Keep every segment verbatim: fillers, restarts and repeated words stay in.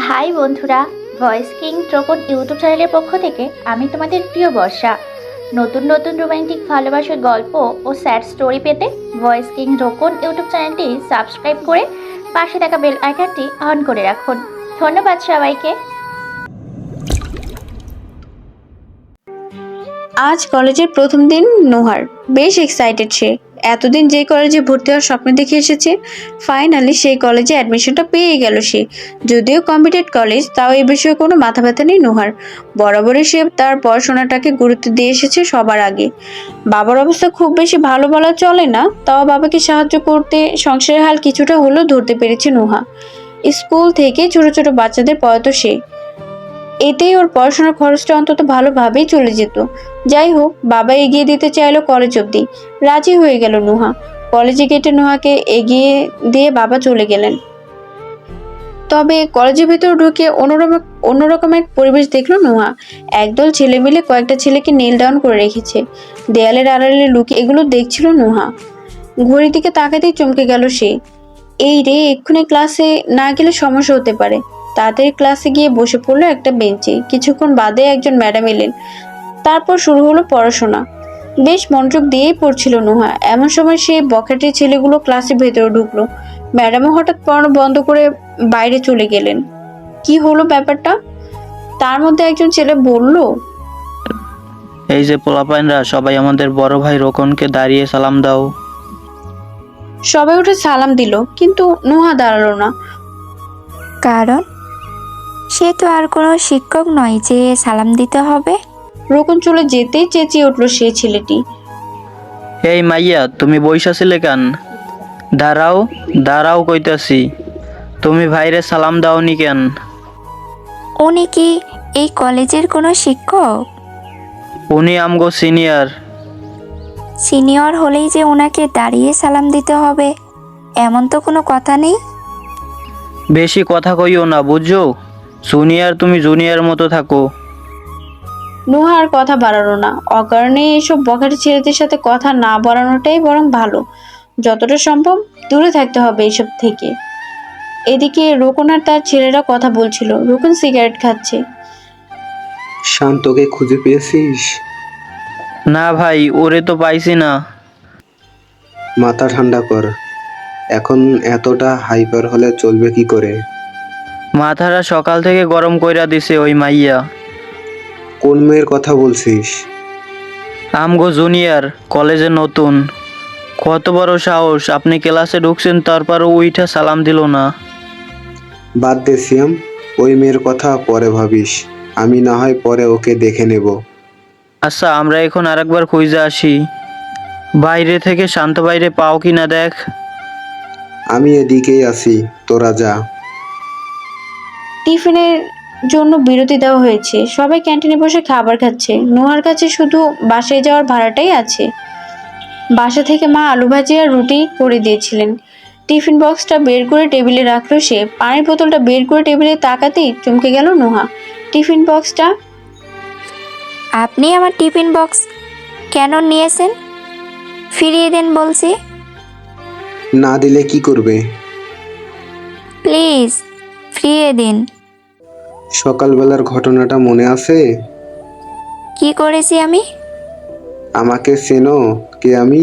High বন্ধুরা, voice king ট্রোকন YouTube চ্যানেলের পক্ষ থেকে আমি তোমাদের প্রিয় বর্ষা। নতুন নতুন রোমান্টিক ভালোবাসার গল্প ও স্যাড স্টোরি পেতে ভয়েস কিং ট্রোকন ইউটিউব চ্যানেলটি সাবস্ক্রাইব করে পাশে থাকা বেল আইকনটি অন করে রাখুন। ধন্যবাদ সবাইকে। আজ কলেজের প্রথম দিন নোহার বেশ এক্সাইটেড। সে এতদিন যে কলেজে ভর্তি হওয়ার স্বপ্ন দেখে এসেছে, ফাইনালি সেই কলেজে অ্যাডমিশনটা পেয়ে গেল সে। যদিও কম্পিটেড কলেজ, তাও এই বিষয়ে কোনো মাথা ব্যথা নেই নোহার। বরাবরই সে তার পড়াশোনাটাকে গুরুত্ব দিয়ে এসেছে সবার আগে। বাবার অবস্থা খুব বেশি ভালো বলা চলে না, তাও বাবাকে সাহায্য করতে সংসারের হাল কিছুটা হলেও ধরতে পেরেছে নোহা। স্কুল থেকে ছোট ছোট বাচ্চাদের পড়াতো সে, এতেই ওর পড়াশোনার খরচটা অন্তত ভালোভাবেই চলে যেত। যাই হোক, বাবা এগিয়ে দিতে চাইলো কলেজ অবধি, রাজি হয়ে গেল নোহা। কলেজে গেটে নোহাকে এগিয়ে দিয়ে বাবা চলে গেলেন। তবে কলেজের ভেতর ঢুকে অন্যরকম অন্যরকম এক পরিবেশ দেখলো নোহা। একদল ছেলে মিলে কয়েকটা ছেলেকে নীল ডাউন করে রেখেছে, দেয়ালের আড়ালে লুকিয়ে এগুলো দেখছিল নোহা। ঘড়ির দিকে তাকাতেই চমকে গেল সে। এই রে, এক্ষুনি ক্লাসে না গেলে সমস্যা হতে পারে। তাড়াতাড়ি ক্লাসে গিয়ে বসে পড়লো একটা বেঞ্চে। কিছুক্ষণ বাদে একজন ম্যাডাম এলেন। তারপর শুরু হলো পড়াশোনা। বেশ মনোযোগ দিয়েই পড়ছিল নোহা। এমন সময় সে বখাটে ছেলেগুলো ক্লাসের ভেতরে ঢুকলো। ম্যাডামও হঠাৎ পড়ানো বন্ধ করে বাইরে চলে গেলেন। কি হলো ব্যাপারটা? তার মধ্যে একজন ছেলে বলল, এই যে পোলাপাইনরা, সবাই আমাদের বড় ভাই রোকনকে দাঁড়িয়ে সালাম দাও। সবাই উঠে সালাম দিল, কিন্তু নোহা দাঁড়ালো না। কারণ সে তো আর কোনো শিক্ষক নয় যে সালাম দিতে হবে। রোকন চলে যেতেই চেঁচিয়ে উঠলো সে ছেলেটি। এই মাইয়া, তুমি বইসাছিলে কেন? দাঁড়াও দাঁড়াও কইতাছি, তুমি ভাইরে সালাম দাওনি কেন? উনি কি এই কলেজের কোনো শিক্ষক? উনি আমগো সিনিয়র। সিনিয়র হলেই যে ওনাকে দাঁড়িয়ে সালাম দিতে হবে এমন তো কোনো কথা নেই। বেশি কথা কইও না, বুঝছো? জুনিয়র তুমি জুনিয়র মতো থাকো। নোহা আর কথা বাড়ালো না। অকারণে এইসব বখাটে ছেলেদের সাথে কথা না বাড়ানোটাই বরং ভালো। যতটা সম্ভব দূরে থাকতে হবে এইসব থেকে। এদিকে রোকন আর তার ছেলেরা কথা বলছিল। রোকন সিগারেট খাচ্ছে। শান্তকে খুঁজে পেয়েছিস? না ভাই, ওরে তো পাইছি না। মাথা ঠান্ডা কর। এখন এতটা হাইপার হলে চলবে কি করে? মাথাটা সকাল থেকে গরম কইরা দিছে ওই মাইয়া। কোন মেয়ের কথা বলছিস? আমগো জুনিয়র, কলেজে নতুন। কত বড় সাহস, আপনি ক্লাসে ঢুকছেন তারপরও উইঠা সালাম দিল না। বাদ দে সিয়াম, ওই মেয়ের কথা পরে ভাবিস। আমি না হয় পরে ওকে দেখে নেব। আচ্ছা, আমরা এখন আরেকবার খুঁজে আসি। বাইরে থেকে শান্ত বাইরে পাও কি না দেখ। আমি এদিকেই আছি, তোরা যা। টিফিনের জন্য বিরতি দেওয়া হয়েছে। সবাই ক্যান্টিনে বসে খাবার খাচ্ছে। নোহার কাছে শুধু বাসায় যাওয়ার ভাড়াটাই আছে। বাসা থেকে মা আলু ভাজি আর রুটি করে দিয়েছিলেন। টিফিন বক্সটা বের করে টেবিলে রাখলো সে। পানির বোতলটা বের করে টেবিলে তাকাতেই চমকে গেল নোহা। টিফিন বক্সটা? আপনি আমার টিফিন বক্স কেন নিয়েছেন? ফিরিয়ে দেন বলছি। না দিলে কি করবে? প্লিজ ফিরিয়ে দিন। সকালবেলার ঘটনাটা মনে আছে? কি করেছি আমি? আমাকে চেনো কে আমি?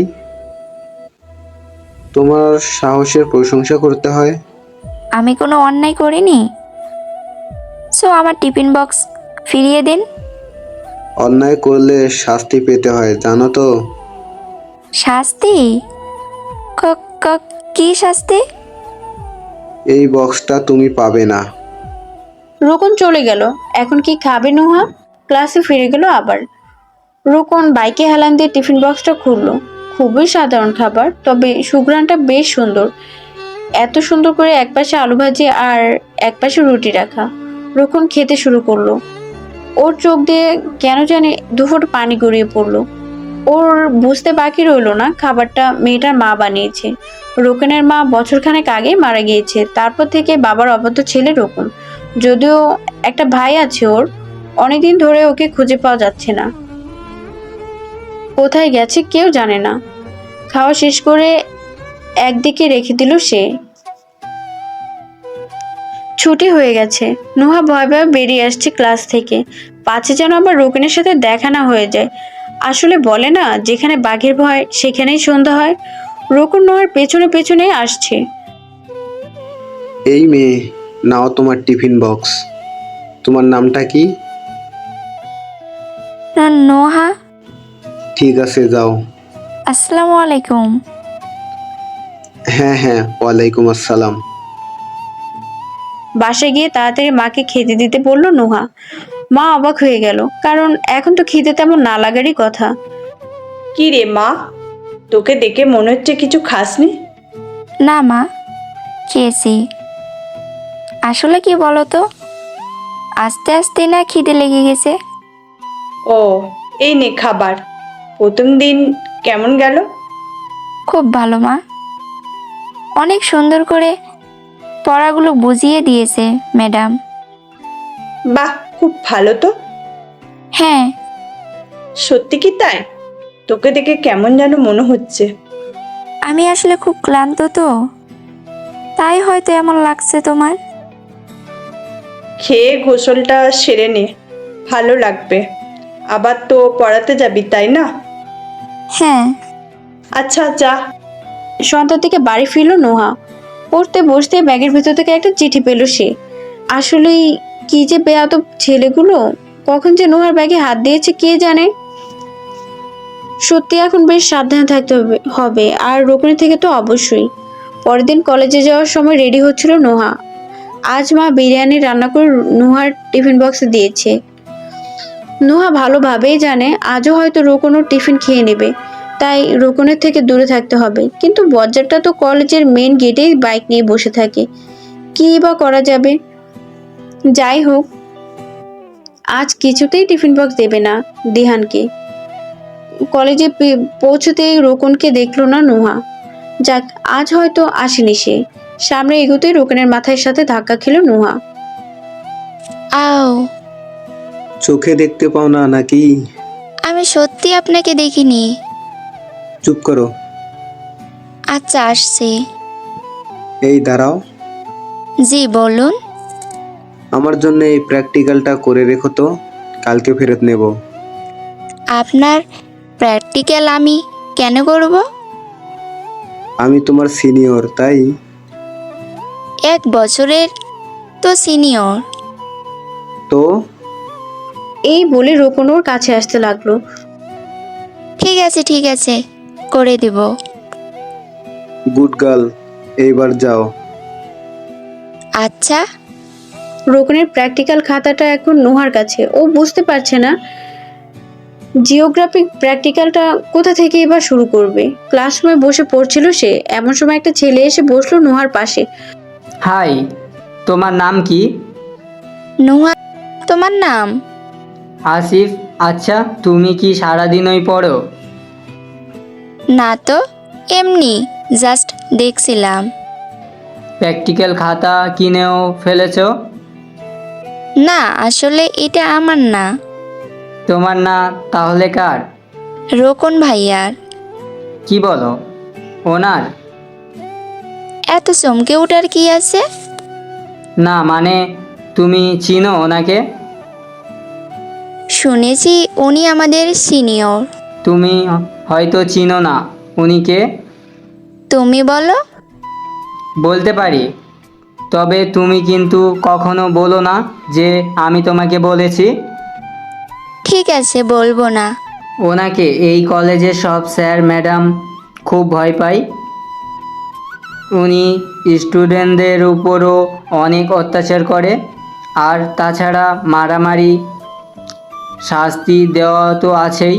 তোমার সাহসের প্রশংসা করতে হয়। আমি কোনো অন্যায় করিনি, সো আমার টিফিন বক্স ফিরিয়ে দিন। অন্যায় করলে শাস্তি পেতে হয়, জানো তো? শাস্তি? ক- ক- কি শাস্তি? এই বক্সটা তুমি পাবে না। রোকন চলে গেল। এখন কি খাবে নোহা? ক্লাসে ফিরে গেল আবার। রোকন বাইকে হেলান দিয়ে টিফিন বক্সটা খুললো। খুবই সাধারণ খাবার, তবে সুঘ্রাণটা বেশ সুন্দর। এত সুন্দর করে একপাশে আলু ভাজি আর একপাশে রুটি রাখা। রোকন খেতে শুরু করলো। ওর চোখ দিয়ে কেন জানি দুফোঁট পানি গড়িয়ে পড়লো। ওর বুঝতে বাকি রইলো না খাবারটা মেয়েটার মা বানিয়েছে। রোকনের মা বছরখানেক আগে মারা গিয়েছে। তারপর থেকে বাবার অবাধ্য ছেলে রোকন। যদিও একটা ভাই আছে ওর, অনেকদিন ধরে ওকে খুঁজে পাওয়া যাচ্ছে না। কোথায় গেছে কেউ জানে না। খাওয়া শেষ করে একদিকে রেখে দিল সে। ছুটি হয়ে গেছে। নোহা ভয় ভয়ে বেরিয়ে আসছে ক্লাস থেকে। পাছে যেন আবার রোকনের সাথে দেখা না হয়ে যায়। আসলে বলে না, যেখানে বাঘের ভয় সেখানেই সন্ধ্যা হয়। রোকন নোহার পেছনে পেছনে আসছে। এই মেয়ে, নাও তোমার টিফিন বক্স। তোমার নামটা কি? ন- নোহা। ঠিক আছে, যাও। আসসালামু আলাইকুম। হ্যাঁ হ্যাঁ, ওয়ালাইকুম আসসালাম। বাসায় গিয়ে তাড়াতাড়ি মাকে খেতে দিতে বলল নোহা। মা অবাক হয়ে গেল, কারণ এখন তো খিদে তেমন না লাগারই কথা। কি রে মা, তোকে দেখে মনে হচ্ছে কিছু খাসনি। না মা, খেয়েছি। আসলে কি বলো তো, আস্তে আস্তে না খিদে লেগে গেছে। ও, এই নে খাবার। প্রথম দিন কেমন গেল? খুব ভালো মা, অনেক সুন্দর করে পড়াগুলো বুঝিয়ে দিয়েছে ম্যাডাম। বাহ, খুব ভালো তো। হ্যাঁ। সত্যি কি তাই? তোকে দেখে কেমন যেন মনে হচ্ছে। আমি আসলে খুব ক্লান্ত তো, তাই হয়তো এমন লাগছে তোমার। খেয়ে গোসলটা সেরে নে, ভালো লাগবে। আবার তো পড়াতে যাবি, তাই না? হ্যাঁ। আচ্ছা যা। সন্ধ্যার দিকে বাড়ি ফিরল নোহা। পড়তে বসতে ব্যাগের ভেতর থেকে একটা চিঠি পেল সে। আসলেই কি যে বেয়াদব ছেলেগুলো, কখন যে নোহার ব্যাগে হাত দিয়েছে কে জানে। সত্যি এখন বেশ সাবধানে থাকতে হবে হবে আর রোকনের থেকে তো অবশ্যই। পরের দিন কলেজে যাওয়ার সময় রেডি হচ্ছিল নোহা। আজ মা বিরিয়ানি রান্না করে নোহার টিফিন বক্সে দিয়েছে। নোহা ভালোভাবেই জানে আজও হয়তো রোকনও টিফিন খেয়ে নেবে, তাই রোকনের থেকে দূরে থাকতে হবে। কিন্তু বজ্জারটা তো কলেজের মেন গেটেই বাইক নিয়ে বসে থাকে, কী বা করা যাবে। যাই হোক, আজ কিছুতেই টিফিন বক্স দেবে না দিহানকে। কলেজে পে- পৌঁছতেই রোকনকে দেখলো না নোহা। যাক, আজ হয়তো আসেনি সে। সামনে এগোতেই রোকনের মাথার সাথে ধাক্কা খেল নোহা। আও, চোখে দেখতে পাও না নাকি? আমি সত্যি আপনাকে দেখিনি। চুপ করো। আচ্ছা, আসছি। এই দাঁড়াও। জি বলুন। আমার জন্য এই প্র্যাকটিক্যালটা করে রেখো তো, কালকে ফেরত নেব। আপনার প্র্যাকটিক্যাল আমি কেন করব? আমি তোমার সিনিয়র, তাই। এক বছরের তো সিনিয়র। তো এই বলে রোকন ওর কাছে আসতে লাগলো। ঠিক আছে ঠিক আছে, করে দেব। গুড গার্ল, এইবার যাও। আচ্ছা। রোকনের প্র্যাকটিক্যাল খাতাটা এখন নোহার কাছে। ও বুঝতে পারছে না জিওগ্রাফিক প্র্যাকটিক্যালটা কোথা থেকে এবার শুরু করবে। ক্লাসরুমে বসে পড়ছিল সে, এমন সময় একটা ছেলে এসে বসলো নোহার পাশে। হাই, তোমার নাম কি? নুহা। তোমার নাম? আসিফ। আচ্ছা, তুমি কি সারাদিনই পড়ো? না তো, এমনি জাস্ট দেখছিলাম। প্র্যাকটিক্যাল খাতা কিনেও ফেলেছো? না, আসলে এটা আমার না, তোমার না তাহলে কার? রোকন ভাইয়ার। কি বলো, ওনার? এত চমকে ওঠার কি আছে? না মানে, তুমি চিনো ওনাকে? শুনেছি উনি আমাদের সিনিয়র। তুমি হয়তো চিনো না। উনি কে? তুমি বলো। বলতে পারি, তবে তুমি কিন্তু কখনো বলো না যে আমি তোমাকে বলেছি। ঠিক আছে, বলবো না। ওনাকে এই কলেজের সব স্যার ম্যাডাম খুব ভয় পায়। উনি স্টুডেন্টদের উপরও অনেক অত্যাচার করে, আর তাছাড়া মারামারি, শাস্তি দেওয়া তো আছেই।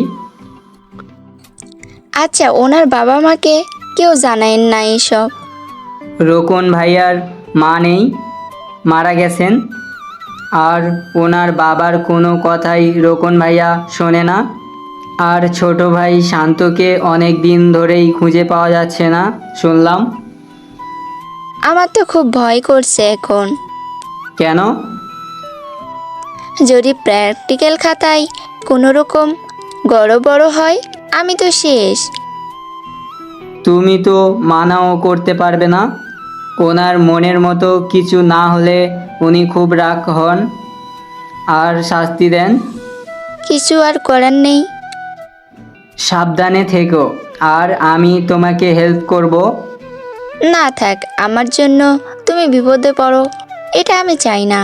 আচ্ছা, ওনার বাবা মাকে কেউ জানায় না এসব? রোকন ভাইয়ার মা নেই, মারা গেছেন। আর ওনার বাবার কোনো কথাই রোকন ভাইয়া শোনে না। আর ছোট ভাই শান্তকে অনেক দিন ধরেই খুঁজে পাওয়া যাচ্ছে না শুনলাম। আমার তো খুব ভয় করছে এখন। কেন? যদি প্র্যাকটিক্যাল খাতায় কোনো রকম গড়বড় হয়, আমি তো শেষ। তুমি তো মানাও করতে পারবে না। ওনার মনের মতো কিছু না হলে উনি খুব রাগ হন আর শাস্তি দেন। কিছু আর করার নেই। সাবধানে থেকো, আর আমি তোমাকে হেল্প করব। না থাক, আমার জন্য তুমি বিপদে পড়ো, এটা আমি চাই না।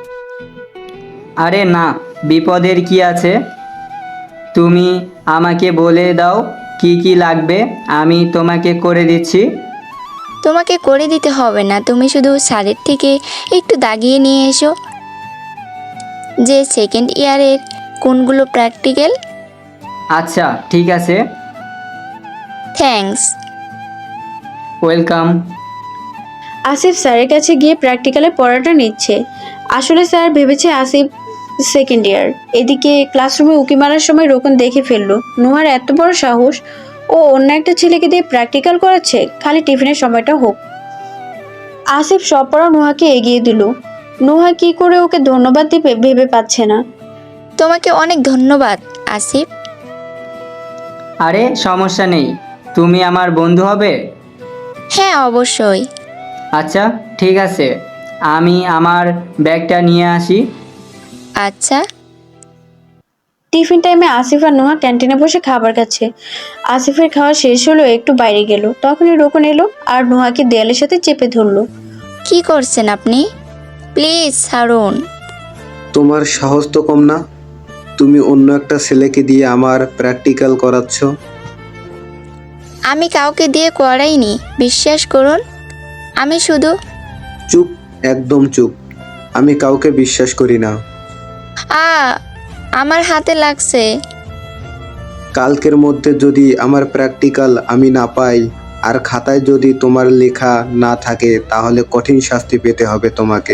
আরে না, বিপদের কি আছে? তুমি আমাকে বলে দাও কি কি লাগবে, আমি তোমাকে করে দিচ্ছি। তোমাকে করে দিতে হবে না, তুমি শুধু স্যারের থেকে একটু দাগিয়ে নিয়ে এসো যে সেকেন্ড ইয়ারের কোনগুলো প্র্যাকটিক্যাল। আচ্ছা ঠিক আছে, থ্যাঙ্কস। ওয়েলকাম। আসিফ স্যারের কাছে গিয়ে প্র্যাকটিক্যালে পড়াটা নিচ্ছে। আসলে স্যার ভেবেছে আসিফ সেকেন্ড ইয়ার। এদিকে ক্লাসরুমে উকি মারার সময় রোকন দেখে ফেললো নোহার এত বড় সাহস, ও অন্য একটা ছেলেকে দিয়ে প্র্যাকটিক্যাল করাচ্ছে, খালি টিফিনের সময়টা হোক। আসিফ সব পড়া নোহাকে এগিয়ে দিল। নোহা কি করে ওকে ধন্যবাদ দিবে ভেবে পাচ্ছে না। তোমাকে অনেক ধন্যবাদ আসিফ। আরে সমস্যা নেই, তুমি আমার বন্ধু হবে। হ্যাঁ অবশ্যই। আচ্ছা ঠিক আছে, আমি আমার ব্যাগটা নিয়ে আসি। আচ্ছা। টিফিন টাইমে আসিফ আর নোহা ক্যান্টিনে বসে খাবার খাচ্ছে। আসিফের খাওয়া শেষ হলো, একটু বাইরে গেল, তখনই রোকন এলো আর নোহাকে দেয়ালের সাথে চেপে ধরলো। কি করছেন আপনি? প্লিজ ছাড়ুন। তোমার সাহস তো কম না, তুমি অন্য একটা ছেলেকে দিয়ে আমার প্র্যাকটিক্যাল করাচ্ছ। আমি কাউকে দিয়ে করাইনি, বিশ্বাস করুন। আমি শুধু চুপ, একদম চুপ। আমি কাউকে বিশ্বাস করি না। আ আমার হাতে লাগছে। কালকের মধ্যে যদি আমার প্র্যাকটিক্যাল আমি না পাই আর খাতায় যদি তোমার লেখা না থাকে তাহলে কঠিন শাস্তি পেতে হবে তোমাকে।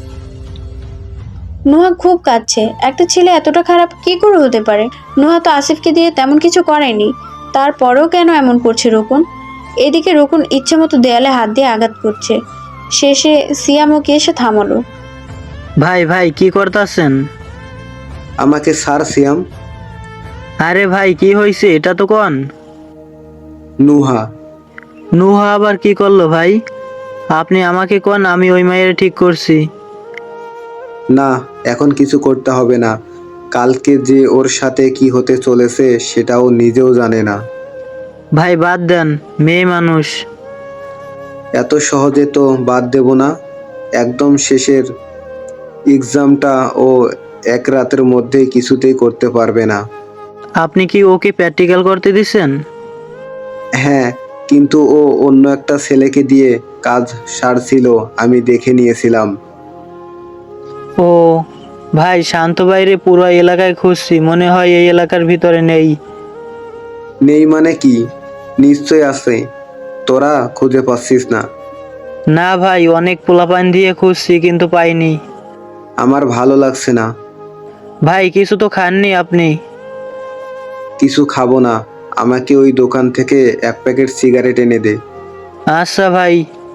নোহা খুব কাঁদছে। একটা ছেলে এতটা খারাপ কি করে হতে পারে? নোহা তো আসিফকে দিয়ে তেমন কিছু করায়নি, তারপরেও কেন এমন করছে রোকন? এদিকে রোকন ইচ্ছে মতো দেয়ালে হাত দিয়ে আঘাত করছে। শেষে সিয়াম ওকে এসে থামালো। ভাই ভাই কি করতেছেন? আমাকে স্যার সিয়াম। আরে ভাই কি হয়েছে এটা তো কোন? নুহা। নুহা আবার কি করলো ভাই? আপনি আমাকে কোন, আমি ওই মায়ের ঠিক করছি। না, এখন কিছু করতে হবে না। কালকে যে ওর সাথে কি হতে চলেছে সেটাও নিজেও জানে না। ভাই বাদ দেন, মেয়ে মানুষ। এত সহজে তো বাদ দেব না। একদম শেষের এক্সামটা ও এক রাতের মধ্যেই কিছুতেই করতে পারবে না। আপনি কি ওকে প্র্যাকটিক্যাল করতে দিছেন? হ্যাঁ, কিন্তু ও অন্য একটা ছেলেকে দিয়ে কাজ সারছিল, আমি দেখে নিয়েছিলাম। ও ভাই, শান্ত বাইরে পুরো এলাকায় খুঁজছি, মনে হয় এই এলাকার ভিতরে নেই। নেই মানে কি? নিশ্চয় আছে, তোরা খুঁজে পাচ্ছিস না। না ভাই, অনেক পোলাপান দিয়ে খুঁজছি কিন্তু পাইনি। আমার ভালো লাগছে না। ভাই কিছু তো খাননি আপনি? কিছু খাবো না, আমাকে ওই দোকান থেকে এক প্যাকেট সিগারেট এনে দে। আচ্ছা ভাই।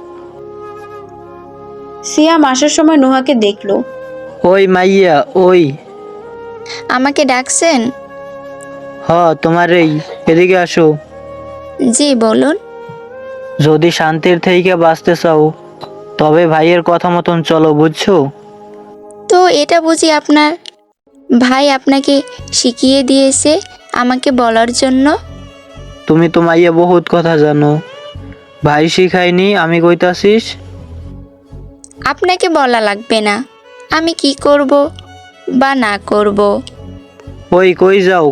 সিয়াম আসার সময় নোহাকে দেখলো। ওই মাইয়া ওই। আমাকে ডাকছেন? হ তোমার এই, এদিকে আসো। জি বলুন। যদি শান্তির থেকে বাঁচতে চাও তবে ভাইয়ের কথা মতন চলো, বুঝছো? তো এটা বুঝি আপনার ভাই আপনাকে শিখিয়ে দিয়েছে আমাকে বলার জন্য? তুমি তো মাইয়া বহুত কথা জানো, ভাই শিখাইনি আমি কইতাছিস। আপনাকে বলা লাগবে না আমি কি করব বা না করব। ওই কই যাও?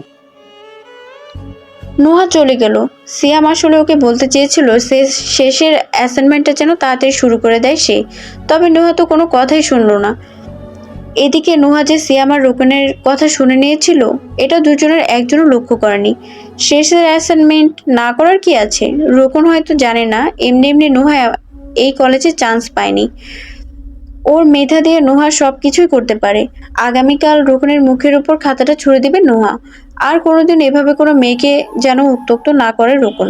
নোহা চলে গেল। সিয়াম আসলে ওকে বলতে চেয়েছিল সে শেষের অ্যাসাইনমেন্টটা যেন তাড়াতাড়ি শুরু করে দেয় সে, তবে নোহা তো কোনো কথাই শুনলো না। এদিকে নোহা যে সিয়াম আর রোকনের কথা শুনে নিয়েছিল এটা দুজনের একজনও লক্ষ্য করেনি। শেষের অ্যাসাইনমেন্ট না করার কি আছে? রোকন হয়তো জানে না এমনি এমনি নোহা এই কলেজে চান্স পায়নি। ওর মেধা দিয়ে নোহা সব কিছুই করতে পারে। আগামীকাল রোকনের মুখের উপর খাতাটা ছুঁড়ে দিবে নোহা। আর কোনোদিন এভাবে কোনো মেয়েকে যেন উত্ত্যক্ত না করে রোকন।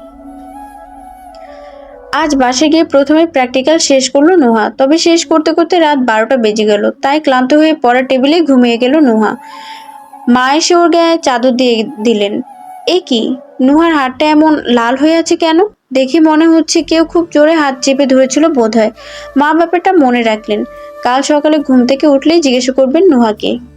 আজ বাসে গিয়ে প্রথমে প্র্যাকটিক্যাল শেষ করলো নোহা, তবে শেষ করতে করতে রাত বারোটা বেজে গেল। তাই ক্লান্ত হয়ে পড়ার টেবিলে ঘুমিয়ে গেল নোহা। মা এসে ওর গায়ে চাদর দিয়ে দিলেন। এ কি, নোহার হাতটা এমন লাল হয়ে আছে কেন? দেখে মনে হচ্ছে কেউ খুব জোরে হাত চেপে ধরেছিল বোধহয়। মা ব্যাপারটা মনে রাখলেন, কাল সকালে ঘুম থেকে উঠলেই জিজ্ঞেস করবেন নুহাকে।